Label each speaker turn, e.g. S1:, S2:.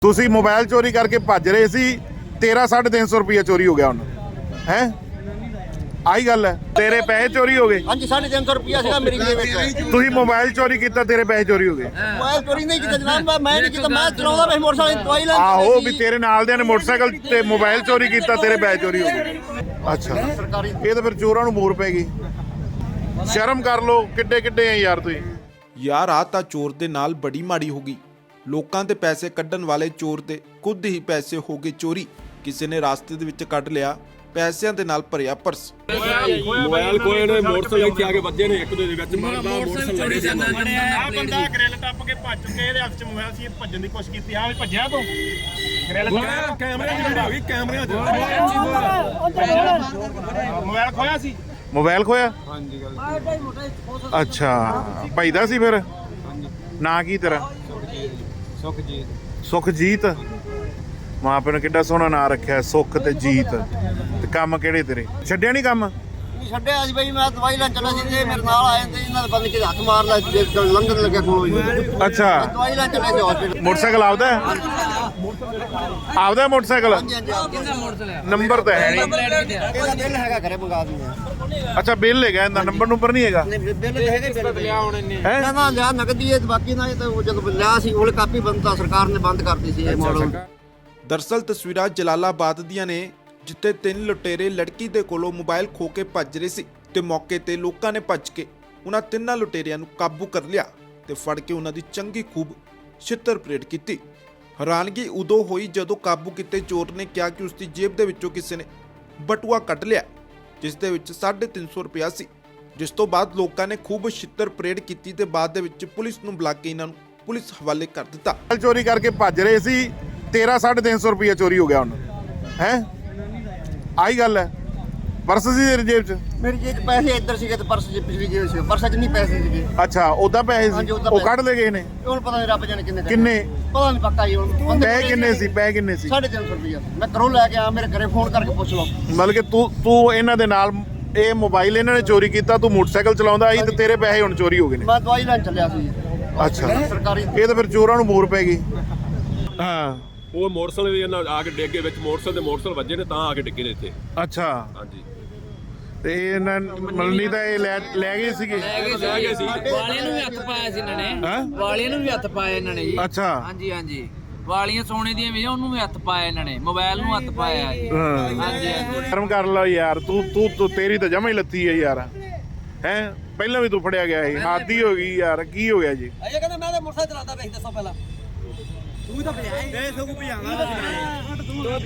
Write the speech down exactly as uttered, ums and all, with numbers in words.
S1: ਤੁਸੀਂ ਮੋਬਾਈਲ ਚੋਰੀ ਕਰਕੇ ਭੱਜ ਰਹੇ ਸੀ, ਤੇਰਾ ਸਾਢੇ ਤਿੰਨ ਸੌ ਰੁਪਇਆ ਚੋਰੀ ਹੋ ਗਿਆ ਹੁਣ ਹੈ। ਆਹੀ ਗੱਲ ਹੈ, ਤੇਰੇ ਪੈਸੇ ਚੋਰੀ ਹੋ ਗਏ।
S2: ਹਾਂਜੀ ਸਾਢੇ ਤਿੰਨ ਸੌ ਰੁਪਇਆ ਸੀਗਾ ਮੇਰੀ ਜੇਬ ਵਿੱਚ।
S1: ਤੁਸੀਂ ਮੋਬਾਈਲ ਚੋਰੀ ਕੀਤਾ, ਤੇਰੇ ਪੈਸੇ ਚੋਰੀ ਹੋ ਗਏ।
S2: ਮੋਬਾਈਲ ਚੋਰੀ ਨਹੀਂ ਕੀਤਾ ਜਨਾਬ, ਮੈਂ ਨਹੀਂ ਕੀਤਾ, ਮੈਂ ਚਲਾਉਂਦਾ ਪਿਆ ਮੋਟਰਸਾਈਕਲ ਦਵਾਈ ਲੈਣ।
S1: ਆਹੋ ਵੀ ਤੇਰੇ ਨਾਲ ਦਿਆਂ ਨੇ ਮੋਟਰਸਾਈਕਲ ਤੇ ਮੋਬਾਈਲ ਚੋਰੀ ਕੀਤਾ, ਤੇਰੇ ਪੈਸੇ ਚੋਰੀ ਹੋ ਗਏ। ਅੱਛਾ, ਇਹ ਤਾਂ ਫਿਰ ਚੋਰਾਂ ਨੂੰ ਮੋਰ ਪੈ ਗਈ। ਸ਼ਰਮ ਕਰ ਲੋ, ਕਿੱਡੇ ਕਿੱਡੇ ਆ ਯਾਰ ਤੁਸੀਂ।
S3: ਯਾਰ ਆ ਤਾਂ ਚੋਰ ਦੇ ਨਾਲ ਬੜੀ ਮਾੜੀ ਹੋ ਗਈ। ਲੋਕਾਂ ਦੇ ਪੈਸੇ ਕੱਢਣ ਵਾਲੇ ਚੋਰ ਦੇ ਖੁਦ ਹੀ ਪੈਸੇ ਹੋ ਗਏ ਚੋਰੀ। ਕਿਸੇ ਨੇ ਰਾਸਤੇ ਦੇ ਵਿੱਚ ਕੱਢ ਲਿਆ ਪੈਸਿਆਂ ਦੇ ਨਾਲ ਭਰਿਆ ਪਰਸ।
S4: ਮੋਬਾਈਲ ਕੋਏ ਨੇ ਮੋਟਰਸਾਈਕਲ ਇੱਥੇ ਆ ਕੇ ਵੱਜੇ ਨੇ, ਇੱਕ ਦੇ ਵਿੱਚ ਮਾਰਦਾ ਮੋਟਰਸਾਈਕਲ ਚੜੀ ਜਾਂਦਾ।
S5: ਆ ਬੰਦਾ ਗ੍ਰਿਲ ਟੱਪ ਕੇ ਭੱਜ ਚੁੱਕੇ, ਇਹਦੇ ਹੱਥ 'ਚ ਮੋਬਾਈਲ ਸੀ, ਭੱਜਣ ਦੀ ਕੋਸ਼ਿਸ਼ ਕੀਤੀ। ਹਾਂ ਵੀ ਭੱਜਿਆ ਤੂੰ ਗ੍ਰਿਲ
S4: ਕੈਮਰੇ ਦੀ ਵੀਡੀਓ ਆ ਗਈ, ਕੈਮਰਿਆਂ 'ਚ
S5: ਮੋਬਾਈਲ ਖੋਇਆ ਸੀ।
S1: ਮੋਬਾਈਲ ਖੋਇਆ?
S4: ਹਾਂਜੀ ਗੱਲ
S1: ਅੱਛਾ, ਭਾਈ ਦਾ ਸੀ ਫਿਰ? ਨਾਂ ਕੀ ਤੇਰਾ?
S4: ਸੁਖਜੀਤ।
S1: ਸੁਖਜੀਤ। ਮਾਂ ਪਿਓ ਨੇ ਕਿੱਡਾ ਸੋਹਣਾ ਨਾਂ ਰੱਖਿਆ, ਸੁਖ ਤੇ ਜੀਤ। ਤੇ ਕੰਮ ਕਿਹੜੇ ਤੇਰੇ? ਛੱਡਿਆ ਨਹੀਂ ਕੰਮ?
S2: ਨਹੀਂ ਛੱਡਿਆ ਸੀ ਬਈ, ਮੈਂ ਦਵਾਈ ਲੈਣ ਚੱਲਾ ਸੀ, ਇਹ ਮੇਰੇ ਨਾਲ ਆਏ ਤੇ ਇਹਨਾਂ ਦੇ ਬੰਦੇ ਕੇ ਹੱਥ ਮਾਰ ਲਿਆ, ਲੰਘਣ ਲੱਗਿਆ ਕੋਲੋਂ ਹੀ।
S1: ਅੱਛਾ,
S2: ਦਵਾਈ ਲੈਣ ਚੱਲੇ ਸੀ ਹਸਪੀਟਲ।
S1: ਮੋਟਰਸਾਈਕਲ ਆਪਦਾ ਹੈ? ਆਪਦਾ ਮੋਟਰਸਾਈਕਲ?
S2: ਹਾਂਜੀ ਹਾਂਜੀ,
S1: ਨੰਬਰ ਤਾਂ ਹੈ ਨਹੀਂ।
S2: ਇਹਦਾ ਬਿੱਲ ਹੈਗਾ, ਘਰੇ ਮੰਗਾ ਦਿੰਦੇ।
S1: ਅੱਛਾ, ਬਿੱਲ ਹੈਗਾ ਇਹਦਾ, ਨੰਬਰ ਨੰਬਰ ਨਹੀਂ ਹੈਗਾ?
S2: ਨਹੀਂ ਬਿੱਲ ਤਾਂ ਹੈਗਾ, ਬਿੱਲ ਲਿਆ ਹੁਣ ਇਹਨੇ।
S1: ਹੈ
S2: ਨਾ ਨਾ ਲਿਆ ਨਕਦੀ ਹੈ, ਬਾਕੀ ਨਾ ਇਹ ਤਾਂ ਉਹ ਜਦੋਂ ਲਿਆ ਸੀ ਉਹ ਕਾਪੀ ਬੰਦ ਤਾਂ ਸਰਕਾਰ ਨੇ ਬੰਦ ਕਰਤੀ ਸੀ ਇਹ ਮਾਡਲ।
S3: ਦਰਅਸਲ ਤਸਵੀਰਾਂ ਜਲਾਲਾਬਾਦ ਦੀਆਂ ਨੇ, ਜਿੱਥੇ ਤਿੰਨ ਲੁਟੇਰੇ ਲੜਕੀ ਦੇ ਕੋਲੋਂ ਮੋਬਾਈਲ ਖੋ ਕੇ ਭੱਜ ਰਹੇ ਸੀ ਤੇ ਮੌਕੇ ਤੇ ਲੋਕਾਂ ਨੇ ਭੱਜ ਕੇ ਉਹਨਾਂ ਤਿੰਨਾਂ ਲੁਟੇਰਿਆਂ ਨੂੰ ਕਾਬੂ ਕਰ ਲਿਆ ਤੇ ਫੜ ਕੇ ਉਹਨਾਂ ਦੀ ਚੰਗੀ ਖੂਬ ਛਿੱਤਰ ਪਰੇਡ ਕੀਤੀ। ਹੈਰਾਨਗੀ ਉਦੋਂ ਹੋਈ ਜਦੋਂ ਕਾਬੂ ਕੀਤੇ ਚੋਰ ਨੇ ਕਿਹਾ ਕਿ ਉਸ ਦੀ ਜੇਬ ਦੇ ਵਿੱਚੋਂ ਕਿਸੇ ਨੇ ਬਟੂਆ ਕੱਢ ਲਿਆ, ਜਿਸ ਦੇ ਵਿੱਚ ਸਾਢੇ ਤਿੰਨ ਸੌ ਰੁਪਇਆ ਸੀ। ਜਿਸ ਤੋਂ ਬਾਅਦ ਲੋਕਾਂ ਨੇ ਖੂਬ ਛਿੱਤਰ ਪਰੇਡ ਕੀਤੀ ਤੇ ਬਾਅਦ ਦੇ ਵਿੱਚ ਪੁਲਿਸ ਨੂੰ ਬੁਲਾ ਕੇ ਇਹਨਾਂ ਨੂੰ ਪੁਲਿਸ ਹਵਾਲੇ ਕਰ ਦਿੱਤਾ।
S1: ਚੋਰੀ ਕਰਕੇ ਭੱਜ ਰਹੇ ਸੀ, ਤੇਰਾ ਸਾਢੇ ਤਿੰਨ ਸੌ ਰੁਪਇਆ ਚੋਰੀ ਹੋ ਗਿਆ ਹੁਣ ਹੈ। ਆਹੀ ਗੱਲ ਹੈ। ਪਰਸ ਸੀ ਤੇਰੀ ਜੇਬ 'ਚ?
S2: ਮੇਰੀ ਜੇਬ 'ਚ ਪੈਸੇ ਇੱਧਰ ਸੀਗੇ ਤੇ ਪਰਸ 'ਚ ਪਿਛਲੀ ਜੇਬ ਸੀ, ਪਰਸ 'ਚ ਨਹੀਂ ਪੈਸੇ ਸੀਗੇ।
S1: ਅੱਛਾ, ਉਹਦਾ ਪੈਸੇ ਸੀ,
S2: ਹਾਂਜੀ, ਉੱਦਾਂ
S1: ਉਹ
S2: ਪੈਸੇ।
S1: ਕੱਢ ਲੈ ਗਏ ਨੇ।
S2: ਹੁਣ ਪਤਾ ਨਹੀਂ ਰੱਬ ਜਾਣੇ ਕਿੰਨੇ
S1: ਕਿੰਨੇ?
S2: ਪਤਾ ਨਹੀਂ ਪੱਕਾ ਜੀ। ਹੁਣ
S1: ਪੈਸੇ ਕਿੰਨੇ ਸੀ? ਪੈਸੇ ਕਿੰਨੇ ਸੀ?
S2: ਸਾਢੇ ਤਿੰਨ ਸੌ ਰੁਪਇਆ ਮੈਂ ਘਰੋਂ ਲੈ ਕੇ ਆ, ਮੇਰੇ ਘਰੇ ਫੋਨ ਕਰਕੇ ਪੁੱਛ ਲਓ।
S1: ਮਤਲਬ ਕਿ ਤੂੰ ਤੂੰ ਇਹਨਾਂ ਦੇ ਨਾਲ, ਇਹ ਮੋਬਾਈਲ ਇਹਨਾਂ ਨੇ ਚੋਰੀ ਕੀਤਾ, ਤੂੰ ਮੋਟਰਸਾਈਕਲ ਚਲਾਉਂਦਾ ਸੀ ਤੇ ਤੇਰੇ ਪੈਸੇ ਹੁਣ ਚੋਰੀ ਹੋ ਗਏ ਨੇ।
S2: ਮੈਂ ਦਵਾਈ ਲੈਣ ਚੱਲਿਆ ਸੀ।
S1: ਅੱਛਾ,
S2: ਸਰਕਾਰੀ
S1: ਇਹ ਤਾਂ ਫਿਰ ਚੋਰਾਂ ਨੂੰ ਮੋਰ ਪੈ ਗਈ। ਹਾਂ,
S4: ਉਹ ਮੋਟਰਸਾਈਕਲ ਵੀ ਇਹਨਾਂ ਆ ਕੇ ਡਿੱਗੇ ਵਿੱਚ, ਮੋਟਰਸਾਈਕਲ ਦੇ ਮੋਟਰਸਾਈਕਲ ਵੱਜੇ ਨੇ ਤਾਂ ਆ ਕੇ ਡਿੱਗੇ ਨੇ ਇੱਥੇ।
S1: ਅੱਛਾ,
S4: ਹਾਂਜੀ
S1: ਤੇ ਇਹਨਾਂ ਮਲਨੀ ਤਾਂ ਇਹ ਲੈ ਲੈ ਗਏ ਸੀਗੇ।
S4: ਲੈ ਗਏ ਸੀ।
S6: ਵਾਲਿਆਂ ਨੂੰ ਵੀ ਹੱਥ ਪਾਇਆ ਸੀ ਇਹਨਾਂ ਨੇ।
S1: ਹੈਂ?
S6: ਵਾਲਿਆਂ ਨੂੰ ਵੀ ਹੱਥ ਪਾਇਆ ਇਹਨਾਂ ਨੇ ਜੀ।
S1: ਅੱਛਾ।
S6: ਹਾਂਜੀ ਹਾਂਜੀ, ਵਾਲੀਆਂ ਸੋਨੇ ਦੀਆਂ ਵੀ ਉਹਨੂੰ ਵੀ ਹੱਥ ਪਾਇਆ ਇਹਨਾਂ ਨੇ, ਮੋਬਾਈਲ ਨੂੰ ਹੱਥ ਪਾਇਆ ਜੀ।
S1: ਹਾਂ,
S6: ਹਾਂਜੀ ਹਾਂਜੀ।
S1: ਸ਼ਰਮ ਕਰ ਲਓ ਯਾਰ, ਤੂੰ ਤੂੰ ਤੂੰ ਤੇਰੀ ਤਾਂ ਜਮਾ ਹੀ ਲੱਤੀ ਹੈ ਯਾਰ। ਹੈ, ਪਹਿਲਾਂ ਵੀ ਤੂੰ ਫੜਿਆ ਗਿਆ ਸੀ, ਹਾਦੀ ਹੋ ਗਈ ਯਾਰ। ਕੀ ਹੋ ਗਿਆ ਜੀ?
S2: ਅਜੇ ਕਹਿੰਦਾ ਮੈਂ ਤਾਂ ਮੋਟਰਸਾਈਕਲ ਚਲਾਉਂਦਾ ਵੇਖ ਦੱਸੋ ਪਹਿਲਾਂ। ਤੂੰ ਤਾਂ ਭਜਾਏ ਦੇ ਸਗੂ ਭਜਾਣਾ।